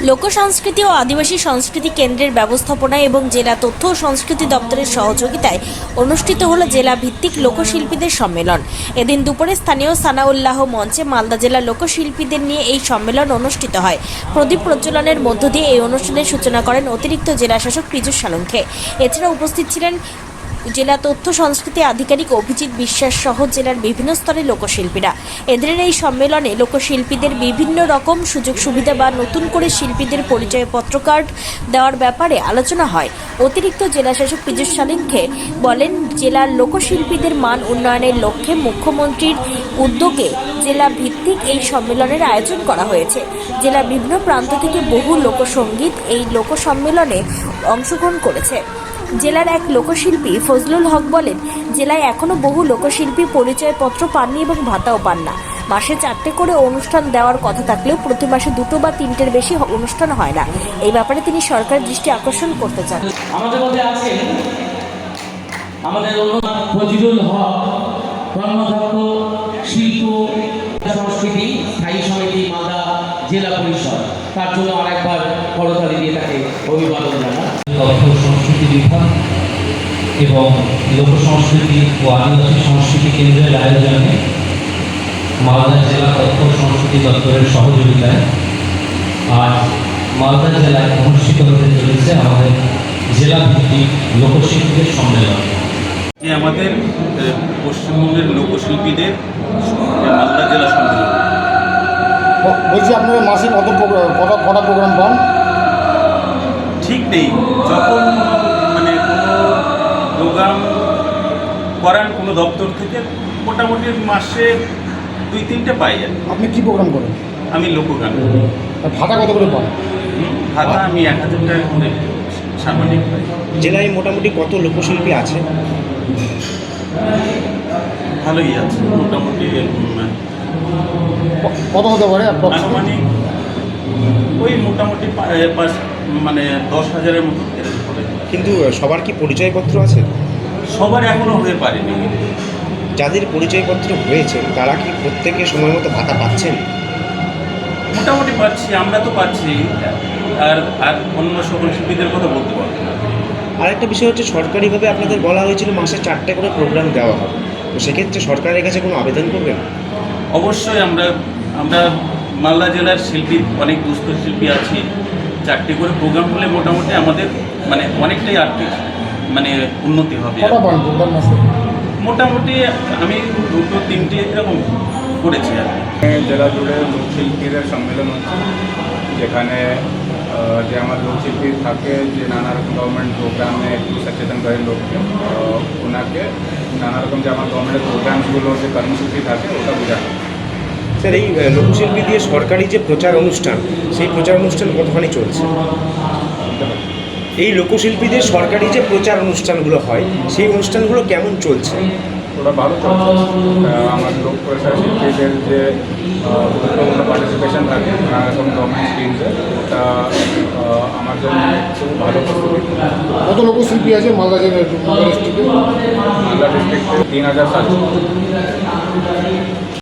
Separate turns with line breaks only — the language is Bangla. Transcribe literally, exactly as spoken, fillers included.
লোকসংস্কৃতি ও আদিবাসী সংস্কৃতি কেন্দ্রের ব্যবস্থাপনায় এবং জেলা তথ্য ও সংস্কৃতি দপ্তরের সহযোগিতায় অনুষ্ঠিত হলো জেলা ভিত্তিক লোকশিল্পীদের সম্মেলন। এদিন দুপুরে স্থানীয় সানাউল্লাহ মঞ্চে মালদা জেলার লোকশিল্পীদের নিয়ে এই সম্মেলন অনুষ্ঠিত হয়। প্রদীপ প্রজ্বলনের মধ্য দিয়ে এই অনুষ্ঠানের সূচনা করেন অতিরিক্ত জেলাশাসক পীযূষ সালঙ্কে। এছাড়া উপস্থিত ছিলেন জেলা তথ্য সংস্কৃতি আধিকারিক অভিজিৎ বিশ্বাস সহ জেলার বিভিন্ন স্তরের লোকশিল্পীরা। এদের এই সম্মেলনে লোকশিল্পীদের বিভিন্ন রকম সুযোগ সুবিধা বা নতুন করে শিল্পীদের পরিচয়পত্র কার্ড দেওয়ার ব্যাপারে আলোচনা হয়। অতিরিক্ত জেলাশাসক পীযূষ সালঙ্কে বলেন, জেলার লোকশিল্পীদের মান উন্নয়নের লক্ষ্যে মুখ্যমন্ত্রীর উদ্যোগে জেলা ভিত্তিক এই সম্মেলনের আয়োজন করা হয়েছে। জেলার বিভিন্ন প্রান্ত থেকে বহু লোকসঙ্গীত এই লোক সম্মেলনে অংশগ্রহণ করেছে। জেলার এক লোকশিল্পী ফজলুল হক বলেন, জেলায় এখনো বহু লোকশিল্পী পরিচয়পত্র পাননি এবং ভাতাও পান না। মাসে চারটে করে অনুষ্ঠান দেওয়ার কথা থাকলেও প্রতি মাসে দুটো বা তিনটের বেশি অনুষ্ঠান হয় না। এই ব্যাপারে তিনি সরকারের দৃষ্টি আকর্ষণ করতে চান।
আমাদের মধ্যে আছেন আমাদের ফজলুল হক, কর্মদক্ষ শিল্প সংস্কৃতি স্থায়ী সমিতি মালদা জেলা পরিষদ, তার জন্য আরেকবার করতালি দিয়ে তাকে অভিবাদন জানাই।
তথ্য সংস্কৃতি বিভাগ এবং লোক সংস্কৃতি ও আদিবাসী সংস্কৃতি কেন্দ্রের আয়োজনে মালদা জেলা তথ্য সংস্কৃতি দপ্তরের সহযোগিতায় আজ মালদা জেলায় অনুষ্ঠিত হতে চলেছে আমাদের জেলা ভিত্তিক লোকশিল্পীদের সম্মেলন।
যে আমাদের পশ্চিমবঙ্গের লোকশিল্পীদের মালদা জেলা সম্মেলন।
বলছি আপনারা মাসে কত কটা কটা প্রোগ্রাম পান?
ঠিক নেই, যখন মানে কোনো প্রোগ্রাম করান কোনো দপ্তর থেকে মোটামুটি মাসে দুই তিনটে পাই।
আপনি কি প্রোগ্রাম করেন?
আমি লোকগান।
ভাতা কত করে পান?
ভাতা আমি এক হাজার টাকা করে সামাজিক পাই।
জেলায় মোটামুটি কত লোকশিল্পী আছে?
ভালোই আছে, মোটামুটি
কত হতে পারে?
আনুমানিক ওই মোটামুটি পাঁচ মানে দশ হাজারের মতো।
কিন্তু সবার কি পরিচয়পত্র আছে?
সবার এখনো হয়ে পারেনি।
যাদের পরিচয়পত্র হয়েছে তারা কি প্রত্যেকে সময় মতো ভাতা পাচ্ছেন?
মোটামুটি পাচ্ছি, আমরা তো পাচ্ছি, আর আর অন্য সকল শিল্পীদের কথা বলতে পারবো না।
আরেকটা বিষয় হচ্ছে, সরকারিভাবে আপনাদের বলা হয়েছিল মাসে চারটে করে প্রোগ্রাম দেওয়া হবে, তো সেক্ষেত্রে সরকারের কাছে কোনো আবেদন করবেন?
অবশ্যই আমরা আমরা মালদা জেলার শিল্পী অনেক দুস্থ শিল্পী আছি। চারটে করে প্রোগ্রাম হলে মোটামুটি আমাদের মানে অনেকটাই আর্থিক মানে উন্নতি হবে। মোটামুটি আমি দুটো তিনটে এরকম করেছি আর কি।
জেলা জুড়ে লোকশিল্পীদের সম্মেলন হচ্ছে, যেখানে যে আমার লোকশিল্পী থাকে যে নানা রকম গভর্নমেন্ট প্রোগ্রামে একটু সচেতন করে লোককে, ওনাকে নানা রকম যে আমার গভর্নমেন্টের প্রোগ্রামসগুলো যে কর্মসূচি থাকে ওটা বোঝানো।
স্যার, এই লোকশিল্পী দিয়ে সরকারি যে প্রচার অনুষ্ঠান, সেই প্রচার অনুষ্ঠান কতখানি চলছে? এই লোকশিল্পীদের সরকারি যে প্রচার অনুষ্ঠানগুলো হয়, সেই অনুষ্ঠানগুলো কেমন চলছে?
ওটা ভালো চলছে। আমার লোক প্রচার শিল্পীদের যে গুরুত্বপূর্ণ পার্টিসিপেশন থাকে নানা রকম গভর্নমেন্ট স্কিমসে, ওটা আমার জন্য খুব ভালো প্রস্তুতি।
কত লোকশিল্পী আছে মালদা জেলার ডিস্ট্রিক্টে?
মালদা ডিস্ট্রিক্টে তিন হাজার সাতশো।